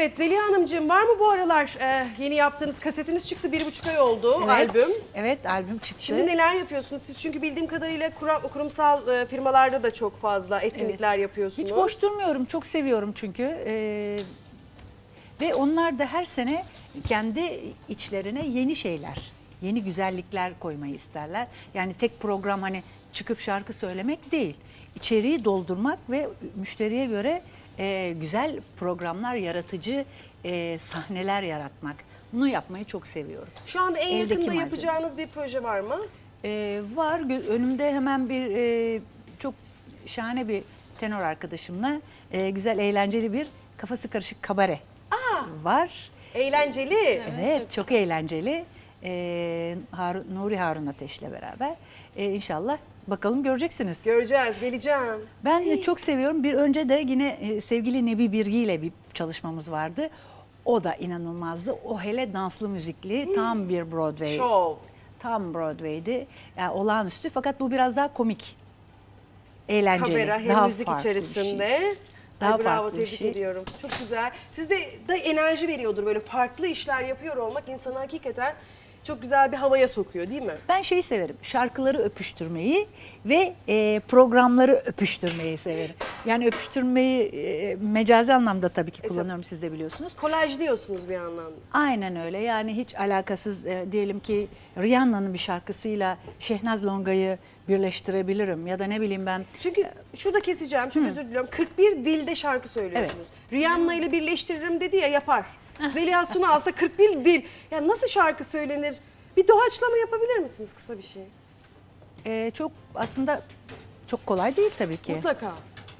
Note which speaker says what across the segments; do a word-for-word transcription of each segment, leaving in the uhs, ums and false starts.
Speaker 1: Evet Zeliha Hanımcığım, var mı bu aralar e, yeni yaptığınız kasetiniz çıktı, bir buçuk ay oldu
Speaker 2: Evet,
Speaker 1: albüm.
Speaker 2: Evet, albüm çıktı.
Speaker 1: Şimdi neler yapıyorsunuz siz? Çünkü bildiğim kadarıyla kurum, kurumsal e, firmalarda da çok fazla etkinlikler
Speaker 2: Evet.
Speaker 1: yapıyorsunuz.
Speaker 2: Hiç boş durmuyorum, çok seviyorum çünkü. Ee, ve onlar da her sene kendi içlerine yeni şeyler, yeni güzellikler koymayı isterler. Yani tek program hani çıkıp şarkı söylemek değil. İçeriği doldurmak ve müşteriye göre e, güzel programlar, yaratıcı e, sahneler yaratmak. Bunu yapmayı çok seviyorum.
Speaker 1: Şu anda en
Speaker 2: Eldeki
Speaker 1: yakında
Speaker 2: malzeme.
Speaker 1: yapacağınız bir proje var mı?
Speaker 2: Ee, var Gö- önümde hemen bir e, çok şahane bir tenor arkadaşımla e, güzel eğlenceli bir kafası karışık kabare var.
Speaker 1: Eğlenceli.
Speaker 2: Evet, çok, eğlenceli. Ee, Harun, Nuri Harun Ateş'le beraber ee, inşallah bakalım göreceksiniz.
Speaker 1: Göreceğiz, geleceğim.
Speaker 2: Ben de çok seviyorum. Bir önce de yine e, sevgili Nebi Birgi ile bir çalışmamız vardı. O da inanılmazdı. O hele danslı müzikli tam bir Broadway.
Speaker 1: Show.
Speaker 2: Tam Broadway'di. Yani olağanüstü fakat bu biraz daha komik. Eğlenceli.
Speaker 1: Kamera hem
Speaker 2: daha
Speaker 1: müzik
Speaker 2: farklı bir
Speaker 1: içerisinde.
Speaker 2: şey. Daha
Speaker 1: Ay, bravo,
Speaker 2: farklı bir
Speaker 1: tebrik
Speaker 2: şey.
Speaker 1: ediyorum. Çok güzel. Sizde de enerji veriyordur, böyle farklı işler yapıyor olmak insanı hakikaten çok güzel bir havaya sokuyor değil mi?
Speaker 2: Ben şeyi severim. Şarkıları öpüştürmeyi ve e, programları öpüştürmeyi severim. Yani öpüştürmeyi e, mecazi anlamda tabii ki kullanıyorum, siz de biliyorsunuz.
Speaker 1: Kolaj diyorsunuz bir anlamda.
Speaker 2: Aynen öyle. Yani hiç alakasız e, diyelim ki Rihanna'nın bir şarkısıyla Şehnaz Longa'yı birleştirebilirim ya da ne bileyim ben.
Speaker 1: Çünkü şurada keseceğim, çok özür diliyorum. kırk bir dilde şarkı söylüyorsunuz. Rihanna ile birleştiririm dedi ya, yapar. Zeliha Suna alsa kırk bir dil. Ya nasıl şarkı söylenir? Bir doğaçlama yapabilir misiniz, kısa bir şey?
Speaker 2: e, çok aslında çok kolay değil tabii ki.
Speaker 1: Mutlaka.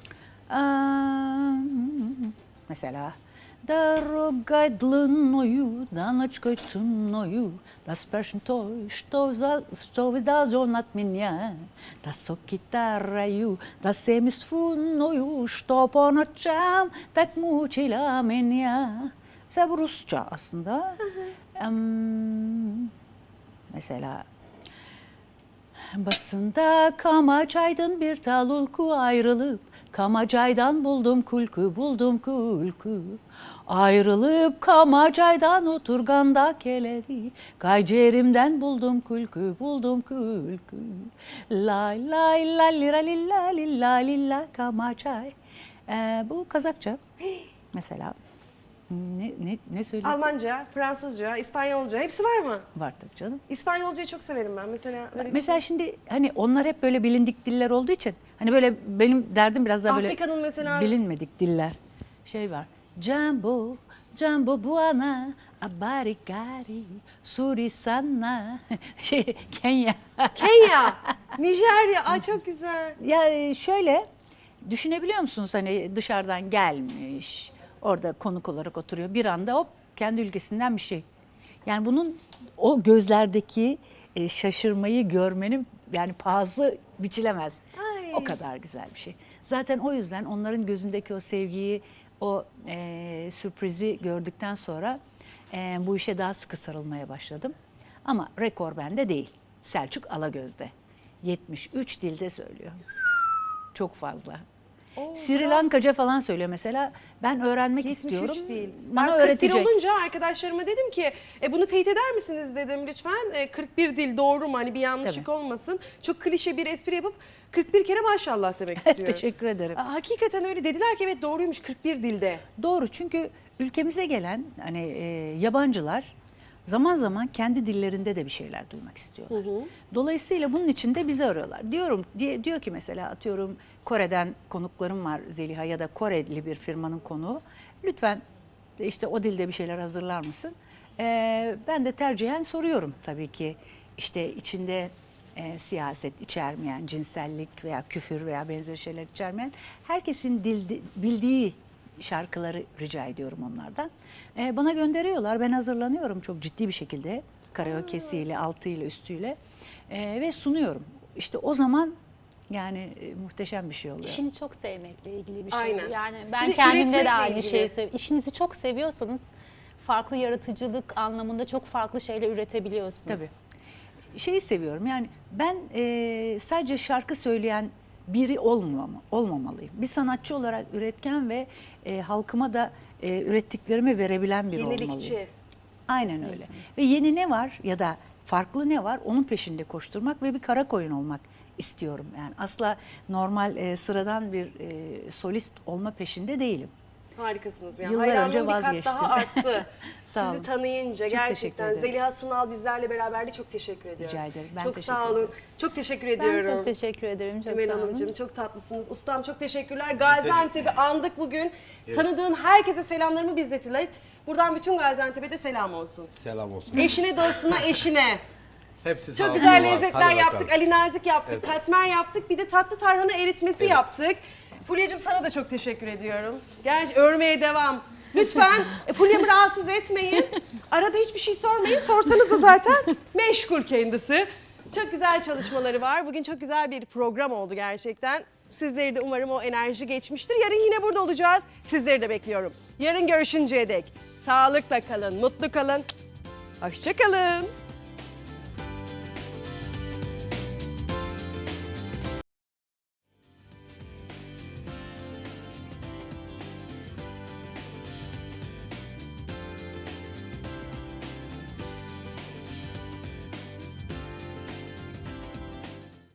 Speaker 2: Aa, mesela Дорогой длинною, да ночкой ценною, да спрашивай той, что, за, что видал он от меня, да со гитарою, да семиструнною, что по ночам так мучила меня. Mesela bu Rusça aslında. Em, mesela Basında Kamaçay'dan bir talulku ayrılıp, Kamacay'dan buldum kulku, buldum kulku. Ayrılıp Kamacay'dan oturganda keledi, Kaycerim'den buldum kulku, buldum kulku. Lay lay la lira lilla lilla lilla Kamacay. Ee, bu Kazakça mesela. Ne, ne, ne söyleyeyim?
Speaker 1: Almanca, Fransızca, İspanyolca hepsi var mı?
Speaker 2: Var tabii canım.
Speaker 1: İspanyolcayı çok severim ben. Mesela öyle bir
Speaker 2: Mesela şimdi hani onlar hep böyle bilindik diller olduğu için hani böyle benim derdim biraz daha böyle
Speaker 1: Afrika'nın mesela-
Speaker 2: bilinmedik diller. Şey var. Jumbo, Jumbo Buana, Abarigari, Surisana, şey Kenya.
Speaker 1: Kenya, Nijerya. Ay çok güzel.
Speaker 2: Ya şöyle düşünebiliyor musunuz, hani dışarıdan gelmiş, orada konuk olarak oturuyor, bir anda hop kendi ülkesinden bir şey. Yani bunun o gözlerdeki e, şaşırmayı görmenin yani pahası biçilemez.
Speaker 1: Ay.
Speaker 2: O kadar güzel bir şey. Zaten o yüzden onların gözündeki o sevgiyi, o e, sürprizi gördükten sonra e, bu işe daha sıkı sarılmaya başladım. Ama rekor bende değil. Selçuk Alagöz'de. yetmiş üç dilde söylüyor. Çok fazla.
Speaker 1: Oo,
Speaker 2: Sri Lankaca falan söylüyor mesela. Ben öğrenmek
Speaker 1: yetmiş üç
Speaker 2: istiyorum.
Speaker 1: değil.
Speaker 2: Bana
Speaker 1: Ben kırk bir
Speaker 2: öğretecek.
Speaker 1: olunca arkadaşlarıma dedim ki e, bunu teyit eder misiniz dedim lütfen. E, kırk bir dil doğru mu? Hani bir yanlışlık
Speaker 2: Tabii.
Speaker 1: olmasın. Çok klişe bir espri yapıp kırk bir kere maşallah demek istiyorum.
Speaker 2: Teşekkür ederim.
Speaker 1: Aa, hakikaten öyle dediler ki evet doğruymuş kırk bir dilde.
Speaker 2: Doğru, çünkü ülkemize gelen hani e, yabancılar zaman zaman kendi dillerinde de bir şeyler duymak istiyorlar. Dolayısıyla bunun için de bizi arıyorlar. Diyorum diye diyor ki mesela atıyorum Kore'den konuklarım var Zeliha ya da Koreli bir firmanın konuğu. Lütfen işte o dilde bir şeyler hazırlar mısın? Ee, ben de tercihen soruyorum tabii ki, işte içinde e, siyaset içermeyen, cinsellik veya küfür veya benzeri şeyler içermeyen herkesin dildi, bildiği şarkıları rica ediyorum onlardan. Ee, bana gönderiyorlar, ben hazırlanıyorum çok ciddi bir şekilde. Karaoke'siyle, altıyla, üstüyle ee, ve sunuyorum. İşte o zaman yani e, muhteşem bir şey oluyor.
Speaker 3: İşini çok sevmekle ilgili bir şey.
Speaker 1: Aynen.
Speaker 3: Yani
Speaker 1: Bir
Speaker 3: ben
Speaker 1: de
Speaker 3: kendimde
Speaker 1: üretmekle
Speaker 3: de aynı
Speaker 1: ilgili.
Speaker 3: şeyi seviyorum. İşinizi çok seviyorsanız farklı yaratıcılık anlamında çok farklı şeyler üretebiliyorsunuz.
Speaker 2: Tabii. Şeyi seviyorum yani ben e, sadece şarkı söyleyen biri olmam, olmamalıyım. Bir sanatçı olarak üretken ve e, halkıma da e, ürettiklerimi verebilen biri olmalıyım.
Speaker 1: Yenilikçi.
Speaker 2: Aynen öyle. Ve yeni ne var ya da farklı ne var onun peşinde koşturmak ve bir kara koyun olmak istiyorum. Yani asla normal e, sıradan bir e, solist olma peşinde değilim.
Speaker 1: Harikasınız ya.
Speaker 2: Yıllar
Speaker 1: Hayranlığım
Speaker 2: önce
Speaker 1: bir kat
Speaker 2: vazgeçtim.
Speaker 1: daha arttı.
Speaker 2: Sağ
Speaker 1: Sizi
Speaker 2: olun.
Speaker 1: tanıyınca
Speaker 2: Çok teşekkür
Speaker 1: gerçekten
Speaker 2: ederim.
Speaker 1: Zeliha Sunal bizlerle beraberdi. Çok teşekkür ediyorum.
Speaker 2: Rica ederim. Ben
Speaker 1: çok
Speaker 2: teşekkür
Speaker 1: sağ olun.
Speaker 2: ederim.
Speaker 1: Çok teşekkür
Speaker 3: Ben
Speaker 1: ediyorum.
Speaker 3: çok teşekkür ederim. Çok
Speaker 1: Emel
Speaker 3: sağ olun.
Speaker 1: Hanımcığım çok tatlısınız. Ustam çok teşekkürler. Gaziantep'i andık bugün. Tanıdığın herkese selamlarımı bizzat ilet. Buradan bütün Gaziantep'e de selam olsun.
Speaker 4: Selam olsun.
Speaker 1: Eşine, dostuna, eşine.
Speaker 4: Hepsi sağ
Speaker 1: Çok
Speaker 4: olsun.
Speaker 1: güzel
Speaker 4: Hadi
Speaker 1: lezzetler
Speaker 4: bakalım.
Speaker 1: yaptık. Ali nazik yaptık, katmer yaptık. Bir de tatlı tarhana eritmesi
Speaker 4: Evet.
Speaker 1: yaptık. Fulya'cığım sana da çok teşekkür ediyorum. Gerçi örmeye devam. Lütfen e, Fulya'mı rahatsız etmeyin. Arada hiçbir şey sormayın. Sorsanız da zaten meşgul kendisi. Çok güzel çalışmaları var. Bugün çok güzel bir program oldu gerçekten. Sizleri de umarım o enerji geçmiştir. Yarın yine burada olacağız. Sizleri de bekliyorum. Yarın görüşünceye dek sağlıkla kalın, mutlu kalın. Hoşça kalın.